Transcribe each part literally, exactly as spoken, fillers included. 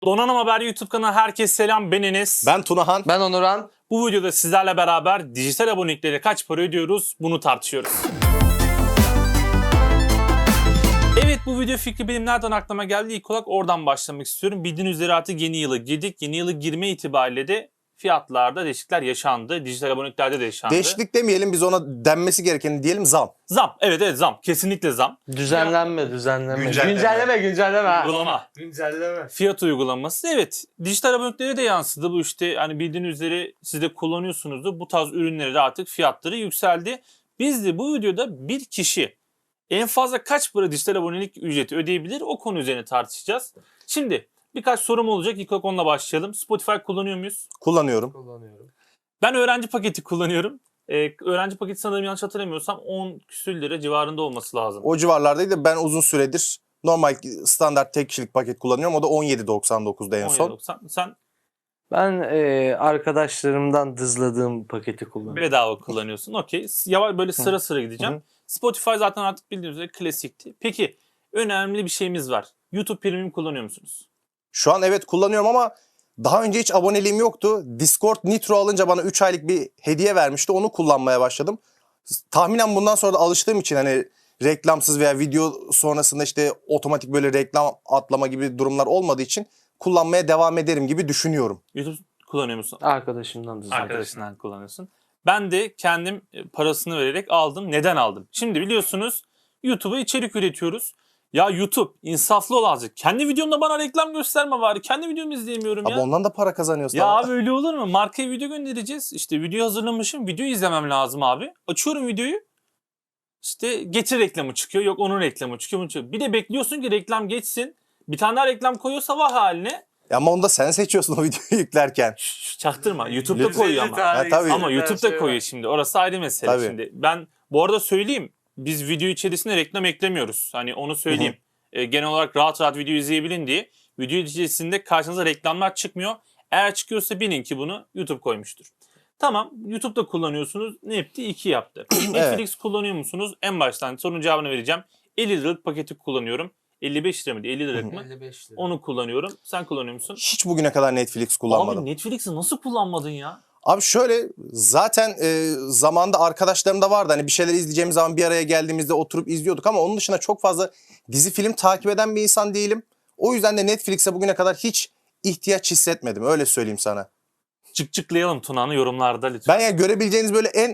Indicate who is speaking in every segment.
Speaker 1: Donanım Haber YouTube kanalına herkese selam. Ben Enes.
Speaker 2: Ben Tunahan.
Speaker 3: Ben Onuran.
Speaker 1: Bu videoda sizlerle beraber dijital aboneliklere kaç para ödüyoruz bunu tartışıyoruz. Evet, bu video fikri benim nereden aklıma geldi? İlk olarak oradan başlamak istiyorum. Bildiğiniz üzere artık yeni yıla girdik. Yeni yıla girme itibariyle de fiyatlarda değişiklikler yaşandı. Dijital aboneliklerde de yaşandı.
Speaker 2: Değişiklik demeyelim, biz ona denmesi gerekeni diyelim, zam.
Speaker 1: Zam. Evet evet zam. Kesinlikle zam.
Speaker 3: Düzenlenme, düzenlenme.
Speaker 2: Güncelleme.
Speaker 3: Güncelleme, güncelleme. ha.
Speaker 1: Uygulama.
Speaker 3: Güncelleme.
Speaker 1: Fiyat uygulaması. Evet. Dijital aboneliklere de yansıdı. Bu işte hani bildiğiniz üzere siz de kullanıyorsunuzdur. Bu tarz ürünlere de artık fiyatları yükseldi. Biz de bu videoda bir kişi en fazla kaç para dijital abonelik ücreti ödeyebilir o konu üzerine tartışacağız. Şimdi birkaç sorum olacak. İlk olarak onunla başlayalım. Spotify kullanıyor muyuz?
Speaker 2: Kullanıyorum.
Speaker 3: Kullanıyorum.
Speaker 1: Ben öğrenci paketi kullanıyorum. Ee, öğrenci paketi sanırım yanlış hatırlamıyorsam on küsür lira civarında olması lazım.
Speaker 2: O civarlardaydı. Ben uzun süredir normal standart tek kişilik paket kullanıyorum. O da on yedi doksan dokuzda en son.
Speaker 1: on yedi doksan. Sen
Speaker 3: Ben e, arkadaşlarımdan dızladığım paketi kullanıyorum.
Speaker 1: bedava kullanıyorsun. Okey. Yavaş böyle sıra sıra gideceğim.
Speaker 2: Hı.
Speaker 1: Spotify zaten artık bildiğiniz üzere klasikti. Peki önemli bir şeyimiz var. YouTube Premium kullanıyor musunuz?
Speaker 2: Şu an evet kullanıyorum ama daha önce hiç aboneliğim yoktu. Discord Nitro alınca bana üç aylık bir hediye vermişti. Onu kullanmaya başladım. Tahminen bundan sonra da alıştığım için hani reklamsız veya video sonrasında işte otomatik böyle reklam atlama gibi durumlar olmadığı için kullanmaya devam ederim gibi düşünüyorum.
Speaker 1: YouTube kullanıyor musun?
Speaker 3: Arkadaşımdan dızladım.
Speaker 1: Arkadaşından kullanıyorsun. Ben de kendim parasını vererek aldım. Neden aldım? Şimdi biliyorsunuz YouTube'a içerik üretiyoruz. Ya YouTube insaflı ol azıcık. Kendi videomda bana reklam gösterme bari. Kendi videomu izleyemiyorum ya.
Speaker 2: Abi ondan da para kazanıyorsun.
Speaker 1: Ya
Speaker 2: ama.
Speaker 1: abi öyle olur mu? Markaya video göndereceğiz. İşte video hazırlamışım. Video izlemem lazım abi. Açıyorum videoyu. İşte getir reklamı çıkıyor. Yok onun reklamı çıkıyor. Bunu çıkıyor. Bir de bekliyorsun ki reklam geçsin. Bir tane daha reklam koyuyorsa vah haline.
Speaker 2: Ya ama onu da sen seçiyorsun o videoyu yüklerken.
Speaker 1: Şş, çaktırma. YouTube'da koyuyor ama.
Speaker 2: Ha, tabii.
Speaker 1: Ama YouTube'da koyuyor şimdi. Orası ayrı mesele
Speaker 2: Tabii.
Speaker 1: şimdi. Ben bu arada söyleyeyim. Biz video içerisinde reklam eklemiyoruz. Hani onu söyleyeyim. E, genel olarak rahat rahat video izleyebilin diye. Video içerisinde karşınıza reklamlar çıkmıyor. Eğer çıkıyorsa bilin ki bunu YouTube koymuştur. Tamam. YouTube'da kullanıyorsunuz. Ne yaptı? İki yaptı. Netflix kullanıyor musunuz? En baştan sorunun cevabını vereceğim. elli liralık paketi kullanıyorum. elli beş lira mıydı? elli liralık mı?
Speaker 3: elli beş lira.
Speaker 1: Onu kullanıyorum. Sen kullanıyor musun?
Speaker 2: Hiç bugüne kadar Netflix kullanmadım.
Speaker 1: Abi Netflix'i nasıl kullanmadın ya?
Speaker 2: Abi şöyle zaten e, zamanda arkadaşlarım da vardı. Hani bir şeyler izleyeceğimiz zaman bir araya geldiğimizde oturup izliyorduk ama onun dışında çok fazla dizi film takip eden bir insan değilim. O yüzden de Netflix'e bugüne kadar hiç ihtiyaç hissetmedim. Öyle söyleyeyim sana.
Speaker 1: Çık-çıklayalım Tuna'nı yorumlarda lütfen.
Speaker 2: Ben yani görebileceğiniz böyle en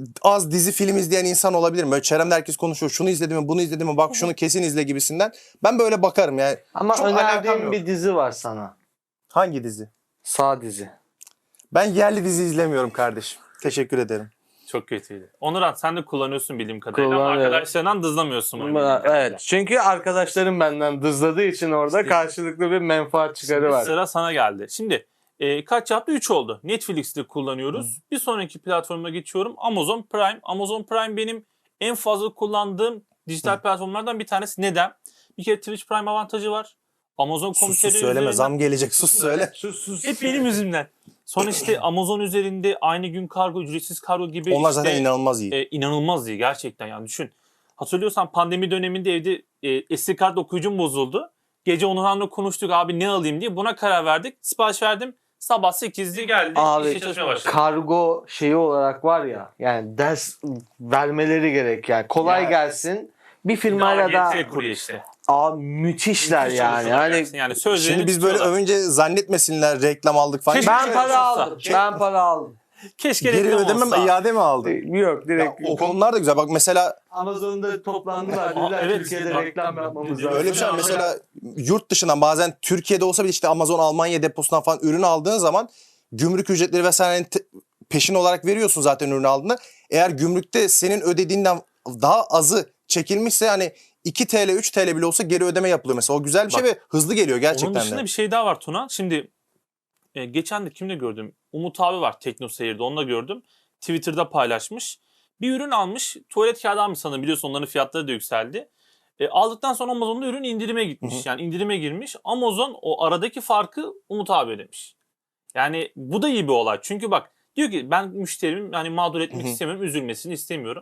Speaker 2: az dizi film izleyen insan olabilirim. Böyle çevremde herkes konuşuyor. Şunu izledim mi, bunu izledim mi, bak şunu kesin izle gibisinden. Ben böyle bakarım yani.
Speaker 3: Ama
Speaker 2: Çok alakam
Speaker 3: önerdiğim
Speaker 2: yok.
Speaker 3: bir dizi var sana.
Speaker 2: Hangi dizi?
Speaker 3: Sağ dizi.
Speaker 2: Ben yerli dizi izlemiyorum kardeşim. Teşekkür ederim.
Speaker 1: Çok kötüydü. Onuran sen de kullanıyorsun bildiğim kadarıyla ama
Speaker 3: Kullanıyorum.
Speaker 1: arkadaşlarından dızlamıyorsun. bunu bildiğim
Speaker 3: Ama,
Speaker 1: kadarıyla.
Speaker 3: evet. Çünkü arkadaşlarım benden dızladığı için orada
Speaker 1: İşte-
Speaker 3: karşılıklı bir menfaat çıkarı
Speaker 1: Şimdi
Speaker 3: var.
Speaker 1: sıra sana geldi. Şimdi e, kaç yaptı? üç oldu. Netflix'te kullanıyoruz. Bir sonraki platforma geçiyorum. Amazon Prime. Amazon Prime benim en fazla kullandığım dijital platformlardan bir tanesi. Neden? Bir kere Twitch Prime avantajı var. Amazon
Speaker 2: Sus sus
Speaker 1: Komiteri
Speaker 2: söyleme.
Speaker 1: üzerinden-
Speaker 2: Zam gelecek. Sus söyle.
Speaker 3: Sus sus.
Speaker 1: Hep benim yüzümden. Sonra işte Amazon üzerinde aynı gün kargo, ücretsiz kargo gibi
Speaker 2: Onlar
Speaker 1: işte,
Speaker 2: zaten inanılmaz iyi.
Speaker 1: e, inanılmaz iyi gerçekten yani düşün. Hatırlıyorsan pandemi döneminde evde e, S D kart okuyucum bozuldu. Gece Onurhan'la konuştuk abi ne alayım diye. Buna karar verdik. Sipariş verdim. Sabah sekizde geldi.
Speaker 3: Abi
Speaker 1: işe çalışmaya başladı.
Speaker 3: kargo şeyi olarak var ya, yani ders vermeleri gerek yani, kolay
Speaker 2: Ya.
Speaker 3: gelsin. Bir firmayla da
Speaker 1: Getir kurye işte.
Speaker 3: abi müthişler
Speaker 1: Müthiş
Speaker 3: yani.
Speaker 1: çalışıyorlar
Speaker 3: Hani
Speaker 1: gerçekten. yani sözlerini
Speaker 2: Şimdi biz böyle
Speaker 1: tutuyorlar.
Speaker 2: övünce zannetmesinler reklam aldık falan.
Speaker 1: Keşke-
Speaker 3: ben
Speaker 1: Şey
Speaker 3: para
Speaker 1: olsa.
Speaker 3: aldım. Ben para aldım.
Speaker 1: Keşke
Speaker 2: Geri
Speaker 1: reklam
Speaker 2: ödeme
Speaker 1: olsa.
Speaker 2: mi, iade mi aldın?
Speaker 3: Yok,
Speaker 2: Ya,
Speaker 3: direkt
Speaker 2: o konular da güzel. Bak mesela
Speaker 3: Amazon'da toplandılar.
Speaker 1: Aa,
Speaker 3: Dediler
Speaker 1: evet.
Speaker 3: Türkiye'de
Speaker 1: Bak,
Speaker 3: reklam yapmamız
Speaker 1: öyle
Speaker 3: lazım.
Speaker 2: öyle bir şey var.
Speaker 1: Ama-
Speaker 2: Mesela yurt dışından bazen Türkiye'de olsa bile işte Amazon Almanya deposundan falan ürün aldığın zaman gümrük ücretleri vesaire peşin olarak veriyorsun zaten ürünü aldığında. Eğer gümrükte senin ödediğinden daha azı çekilmişse hani iki TL üç TL bile olsa geri ödeme yapılıyor mesela. O güzel bir şey
Speaker 1: Bak,
Speaker 2: ve hızlı geliyor gerçekten
Speaker 1: Onun dışında
Speaker 2: de.
Speaker 1: bir şey daha var Tuna. Şimdi e, geçen de kimle gördüm? Umut abi var Tekno Seyir'de, onunla gördüm. Twitter'da paylaşmış. Bir ürün almış. Tuvalet kağıdı almış sanırım. Biliyorsun onların fiyatları da yükseldi. E, aldıktan sonra Amazon'da ürün indirime gitmiş.
Speaker 2: Hı hı.
Speaker 1: Yani indirime girmiş. Amazon o aradaki farkı Umut abi ödemiş. Yani bu da iyi bir olay. Çünkü bak diyor ki ben müşterimin hani mağdur etmek
Speaker 2: Hı hı.
Speaker 1: istemiyorum. Üzülmesini istemiyorum.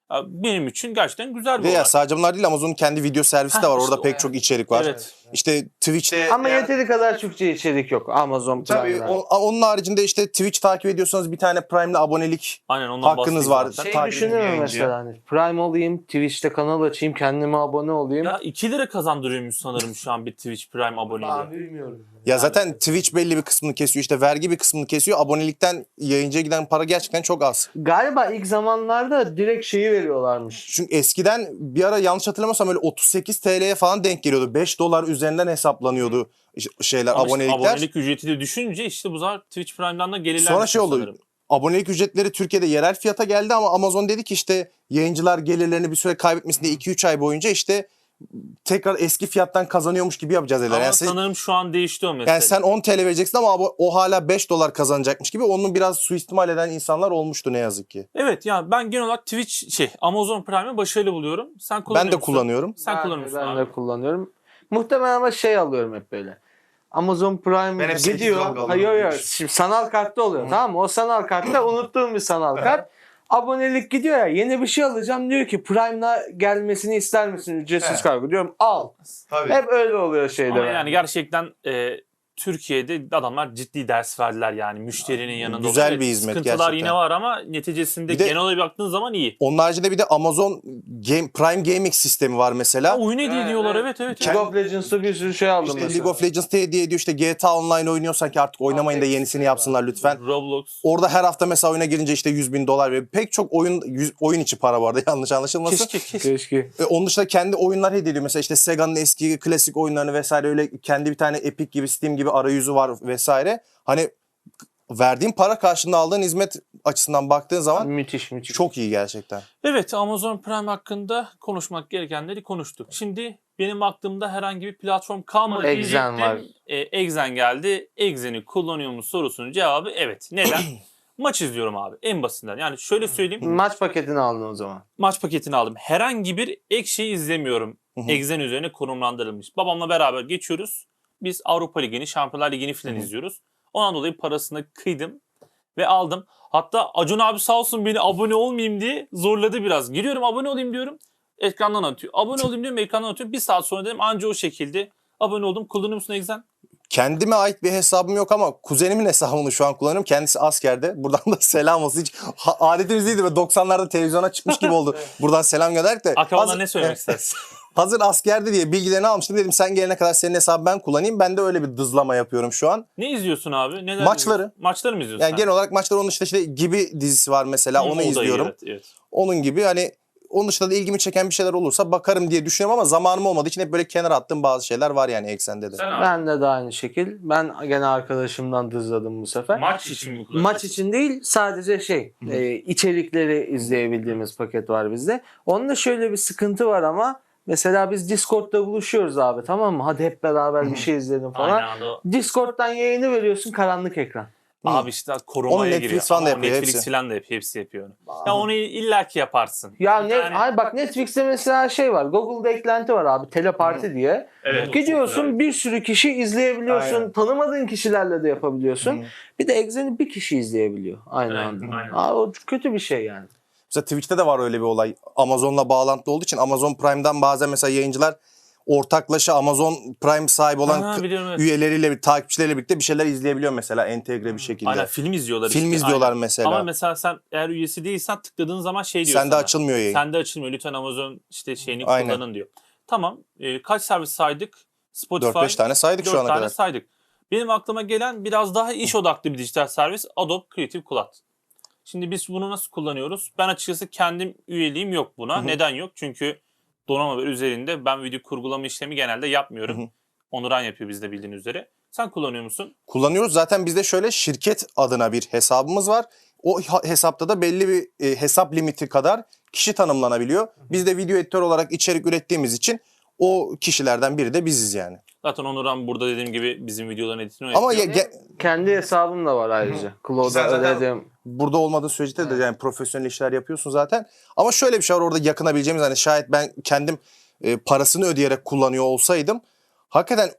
Speaker 1: Ya benim için gerçekten güzel bir
Speaker 2: Ve ya
Speaker 1: olay.
Speaker 2: sadece bunlar değil, Amazon'un kendi video servisi de
Speaker 1: Heh,
Speaker 2: var.
Speaker 1: işte
Speaker 2: Orada
Speaker 1: o
Speaker 2: pek
Speaker 1: yani.
Speaker 2: çok içerik var.
Speaker 1: Evet.
Speaker 2: İşte Twitch'te
Speaker 3: Ama
Speaker 2: eğer-
Speaker 3: yeteri kadar Türkçe içerik yok Amazon
Speaker 2: Tabii
Speaker 3: Prime'da.
Speaker 2: o- onun haricinde işte Twitch takip ediyorsanız bir tane Prime'le abonelik
Speaker 1: Aynen ondan
Speaker 2: hakkınız
Speaker 1: bahsedeyim
Speaker 2: var.
Speaker 1: zaten.
Speaker 3: Şey
Speaker 2: takip
Speaker 3: düşünür
Speaker 2: edin
Speaker 3: mü
Speaker 2: yayıncıya.
Speaker 3: mesela hani Prime olayım, Twitch'te kanal açayım, kendime abone olayım.
Speaker 1: Ya iki lira kazandırıyormuş sanırım şu an bir Twitch Prime aboneliği.
Speaker 3: bilmiyorum.
Speaker 2: Ya zaten Twitch belli bir kısmını kesiyor, işte vergi bir kısmını kesiyor. Abonelikten yayıncıya giden para gerçekten çok az.
Speaker 3: Galiba ilk zamanlarda direkt şeyi veriyorlarmış.
Speaker 2: Çünkü eskiden bir ara yanlış hatırlamıyorsam öyle otuz sekiz T L'ye falan denk geliyordu. beş dolar üzerinden hesaplanıyordu şeyler,
Speaker 1: Ama işte
Speaker 2: abonelikler.
Speaker 1: abonelik ücreti de düşünce işte bu zaman Twitch Prime'dan da gelirler.
Speaker 2: Sonra şey oldu.
Speaker 1: sanırım.
Speaker 2: Abonelik ücretleri Türkiye'de yerel fiyata geldi ama Amazon dedi ki işte yayıncılar gelirlerini bir süre kaybetmesin diye iki üç ay boyunca işte tekrar eski fiyattan kazanıyormuş gibi yapacağız dediler.
Speaker 1: Ama
Speaker 2: Yani, siz-
Speaker 1: sanırım şu an değişti o mesele.
Speaker 2: yani sen on T L vereceksin ama abo- o hala beş dolar kazanacakmış gibi, onun biraz suistimal eden insanlar olmuştu ne yazık ki.
Speaker 1: Evet yani ben genel olarak Twitch şey Amazon Prime'ı başarılı buluyorum. Sen kullanıyor
Speaker 2: Ben de
Speaker 1: musun?
Speaker 2: kullanıyorum.
Speaker 1: Sen
Speaker 3: Ben,
Speaker 1: kullanıyor musun
Speaker 3: ben
Speaker 1: abi?
Speaker 3: de kullanıyorum. Muhtemelen ama şey alıyorum hep böyle. Amazon Prime
Speaker 2: Ben hep sekiz
Speaker 3: gidiyor.
Speaker 2: dolar alıyorum.
Speaker 3: Hayır hayır. Şimdi sanal kartta oluyor, tamam mı? O sanal kartta unuttuğum bir sanal kart. Abonelik gidiyor ya, yeni bir şey alacağım, diyor ki Prime'la gelmesini ister misin ücretsiz
Speaker 2: He.
Speaker 3: kargo, diyorum al. Hep öyle oluyor şeyde.
Speaker 1: Ama
Speaker 3: bende.
Speaker 1: yani gerçekten e, Türkiye'de adamlar ciddi ders verdiler yani müşterinin yanında.
Speaker 2: Güzel
Speaker 1: Evet,
Speaker 2: bir hizmet
Speaker 1: sıkıntılar
Speaker 2: gerçekten.
Speaker 1: yine var ama neticesinde
Speaker 2: Bir de-
Speaker 1: genel olarak baktığın zaman iyi.
Speaker 2: Onun haricinde bir de Amazon Game, Prime Gaming sistemi var mesela.
Speaker 1: Ha, oyun hediye
Speaker 3: Evet,
Speaker 1: ediyorlar
Speaker 3: evet.
Speaker 1: evet evet.
Speaker 3: League
Speaker 1: evet.
Speaker 3: of Legends'ta bir sürü şey aldım
Speaker 2: İşte
Speaker 3: mesela.
Speaker 2: League of Legends de hediye ediyor. İşte G T A Online oynuyorsan ki artık oynamayın da
Speaker 3: Apex
Speaker 2: yenisini yapsınlar lütfen.
Speaker 1: Roblox.
Speaker 2: Orada her hafta mesela oyuna girince işte yüz bin dolar ve pek çok oyun yüz- oyun içi para vardı yanlış anlaşılmasın.
Speaker 1: Keşke keşke.
Speaker 3: Keşke.
Speaker 2: E, onun dışında kendi oyunlar hediye ediyor. Mesela işte Sega'nın eski klasik oyunlarını vesaire, öyle kendi bir tane Epic gibi, Steam gibi arayüzü var vesaire. Hani verdiğin para karşılığında aldığın hizmet açısından baktığın zaman
Speaker 3: Müthiş müthiş.
Speaker 2: çok iyi gerçekten.
Speaker 1: Evet Amazon Prime hakkında konuşmak gerekenleri konuştuk. Şimdi benim aklımda herhangi bir platform kalmadı
Speaker 3: Exen
Speaker 1: diyecektim.
Speaker 3: var.
Speaker 1: E, Exen geldi. Exen'i kullanıyor musun sorusunun cevabı evet. Neden? Maç izliyorum abi en basitinden. Yani şöyle söyleyeyim.
Speaker 3: Maç paketini aldın o zaman.
Speaker 1: Maç paketini aldım. Herhangi bir ek şey izlemiyorum.
Speaker 2: Hı hı.
Speaker 1: Exen üzerine konumlandırılmış. Babamla beraber geçiyoruz. Biz Avrupa Ligi'ni, Şampiyonlar Ligi'ni falan
Speaker 2: Hı hı.
Speaker 1: izliyoruz. Ondan dolayı parasını kıydım ve aldım. Hatta Acun abi sağ olsun beni abone olmayayım diye zorladı biraz. Giriyorum abone olayım diyorum. Ekrandan atıyor. Abone olayım diyorum ekrandan atıyor. Bir saat sonra dedim anca o şekilde abone oldum. Kullanıyor musun Exen?
Speaker 2: Kendime ait bir hesabım yok ama kuzenimin hesabını şu an kullanıyorum. Kendisi askerde. Buradan da selam olsun. Hiç ha- adetimiz değildi ve doksanlarda televizyona çıkmış gibi oldu. Buradan selam gönderdik de.
Speaker 1: Akrabana
Speaker 2: Hazır-
Speaker 1: ne söylemek istersin?
Speaker 2: Hazır askerde diye bilgilerini almıştım. Dedim sen gelene kadar senin hesabı ben kullanayım. Ben de öyle bir dızlama yapıyorum şu an.
Speaker 1: Ne izliyorsun abi? Neler
Speaker 2: Maçları.
Speaker 1: izliyorsun? Maçları mı izliyorsun?
Speaker 2: Yani
Speaker 1: sen?
Speaker 2: genel olarak maçlar, onun dışında işte Gibi dizisi var mesela.
Speaker 1: Hı, o
Speaker 2: Onu
Speaker 1: da iyi,
Speaker 2: izliyorum.
Speaker 1: Evet, evet.
Speaker 2: Onun gibi hani onun dışında da ilgimi çeken bir şeyler olursa bakarım diye düşünüyorum ama zamanım olmadığı için hep böyle kenara attığım bazı şeyler var yani Eksen'de de.
Speaker 1: Sen abi,
Speaker 3: Ben de de aynı şekil. Ben gene arkadaşımdan dızladım bu sefer.
Speaker 1: maç için mi kullanıyorsun?
Speaker 3: Maç için değil, sadece şey e, içerikleri izleyebildiğimiz paket var bizde. Onun da şöyle bir sıkıntı var ama mesela biz Discord'da buluşuyoruz abi, tamam mı? Hadi hep beraber bir şey izleyelim falan.
Speaker 1: Aynen anda o.
Speaker 3: Discord'dan yayını veriyorsun, karanlık ekran.
Speaker 1: Abi işte
Speaker 2: Onu
Speaker 1: korumaya
Speaker 2: Netflix
Speaker 1: giriyor.
Speaker 2: falan da
Speaker 1: Ama
Speaker 2: yapıyor,
Speaker 1: Netflix
Speaker 2: hepsi.
Speaker 1: falan da yapıyor. Hepsi yapıyor onu. Ya onu illaki yaparsın.
Speaker 3: Ya
Speaker 1: Bir
Speaker 3: ne?
Speaker 1: tane-
Speaker 3: Ay bak, Netflix'te mesela şey var. Google'da eklenti var abi, teleparti diye.
Speaker 1: Evet,
Speaker 3: Gidiyorsun, bir sürü kişi izleyebiliyorsun.
Speaker 2: Aynen.
Speaker 3: Tanımadığın kişilerle de yapabiliyorsun.
Speaker 2: Hı.
Speaker 3: Bir de Exen'i bir kişi izleyebiliyor aynı
Speaker 1: Evet,
Speaker 3: anda.
Speaker 1: aynen.
Speaker 3: Abi, o kötü bir şey yani.
Speaker 2: Mesela Twitch'te de var öyle bir olay. Amazon'la bağlantılı olduğu için Amazon Prime'dan bazen mesela yayıncılar ortaklaşa Amazon Prime sahibi olan
Speaker 1: Ha,
Speaker 2: k-
Speaker 1: biliyorum, evet.
Speaker 2: üyeleriyle, takipçileriyle birlikte bir şeyler izleyebiliyor mesela entegre bir şekilde.
Speaker 1: Aynen film izliyorlar
Speaker 2: Film
Speaker 1: işte.
Speaker 2: izliyorlar
Speaker 1: Aynen.
Speaker 2: mesela.
Speaker 1: Ama mesela sen eğer üyesi değilsen tıkladığın zaman şey diyor
Speaker 2: Sende
Speaker 1: sana.
Speaker 2: açılmıyor yayın.
Speaker 1: Sende açılmıyor. Lütfen Amazon işte şeyini
Speaker 2: Aynen.
Speaker 1: kullanın diyor. Tamam. e, kaç servis saydık? Spotify.
Speaker 2: dört beş tane saydık şu
Speaker 1: dört
Speaker 2: ana
Speaker 1: tane
Speaker 2: kadar.
Speaker 1: saydık. Benim aklıma gelen biraz daha iş odaklı bir dijital servis Adobe Creative Cloud. Şimdi biz bunu nasıl kullanıyoruz? Ben açıkçası kendim üyeliğim yok buna.
Speaker 2: Hı hı.
Speaker 1: Neden yok? Çünkü donanım üzerinde ben video kurgulama işlemi genelde yapmıyorum.
Speaker 2: Hı hı.
Speaker 1: Onuran yapıyor bizde bildiğin üzere. Sen kullanıyor musun?
Speaker 2: Kullanıyoruz. Zaten bizde şöyle şirket adına bir hesabımız var. O ha- hesapta da belli bir e, hesap limiti kadar kişi tanımlanabiliyor. Biz de video editör olarak içerik ürettiğimiz için o kişilerden biri de biziz yani.
Speaker 1: Zaten Onuran burada dediğim gibi bizim videoların editini
Speaker 2: Ama ya,
Speaker 1: yapıyor.
Speaker 2: ge-
Speaker 3: Kendi hesabım da var ayrıca. Cloud'a
Speaker 2: Güzel, zaten-
Speaker 3: ödedim.
Speaker 2: burada olmadığı sürece de yani profesyonel işler yapıyorsun zaten. Ama şöyle bir şey var orada yakınabileceğimiz, hani şayet ben kendim e, parasını ödeyerek kullanıyor olsaydım hakikaten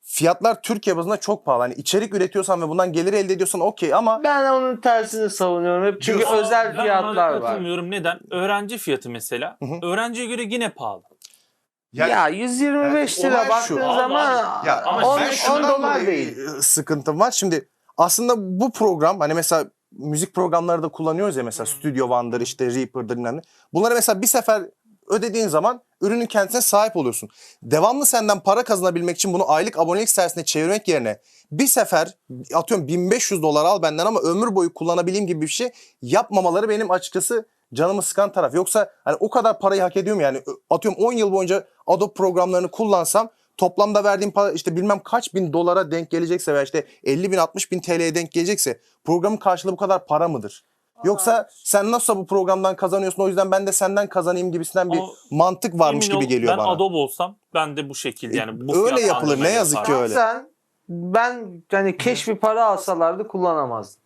Speaker 2: fiyatlar Türkiye bazında çok pahalı. Hani içerik üretiyorsan ve bundan gelir elde ediyorsan okey ama
Speaker 3: Ben onun tersini savunuyorum hep. Çünkü
Speaker 2: Diyorsun.
Speaker 3: özel
Speaker 1: Ben ona
Speaker 3: fiyatlar var.
Speaker 1: katılmıyorum. Neden? Öğrenci fiyatı mesela.
Speaker 2: Hı hı.
Speaker 1: Öğrenciye göre yine pahalı.
Speaker 2: Yani-
Speaker 3: ya yüz yirmi beş
Speaker 2: yani
Speaker 3: lira
Speaker 2: olay şu.
Speaker 3: baktığın
Speaker 1: Abi,
Speaker 3: zaman
Speaker 2: ya
Speaker 1: ama
Speaker 3: on
Speaker 1: ben
Speaker 3: on
Speaker 2: şundan
Speaker 3: dolar
Speaker 2: dolayı,
Speaker 3: değil.
Speaker 2: e, sıkıntım var. Şimdi aslında bu program hani mesela müzik programları da kullanıyoruz ya mesela Studio One'dır işte Reaper'dır bilmem ne. Bunları mesela bir sefer ödediğin zaman ürünün kendisine sahip oluyorsun. Devamlı senden para kazanabilmek için bunu aylık abonelik servisine çevirmek yerine bir sefer atıyorum bin beş yüz dolar al benden ama ömür boyu kullanabileyim gibi bir şey yapmamaları benim açıkçası canımı sıkan taraf. Yoksa hani o kadar parayı hak ediyorum yani atıyorum on yıl boyunca Adobe programlarını kullansam toplamda verdiğim para işte bilmem kaç bin dolara denk gelecekse veya işte elli bin altmış bin T L'ye denk gelecekse programın karşılığı bu kadar para mıdır? Yoksa sen nasıl bu programdan kazanıyorsun o yüzden ben de senden kazanayım gibisinden bir
Speaker 1: Ama
Speaker 2: mantık varmış
Speaker 1: Emin
Speaker 2: gibi
Speaker 1: ol,
Speaker 2: geliyor
Speaker 1: ben
Speaker 2: bana.
Speaker 1: Adobe olsam ben de bu şekilde yani. Bu
Speaker 2: Öyle
Speaker 1: fiyat
Speaker 2: yapılır, ne
Speaker 1: bandına
Speaker 2: yazık ki
Speaker 1: yaparım.
Speaker 2: öyle.
Speaker 3: Sen ben hani keşfi para alsalardı kullanamazdım.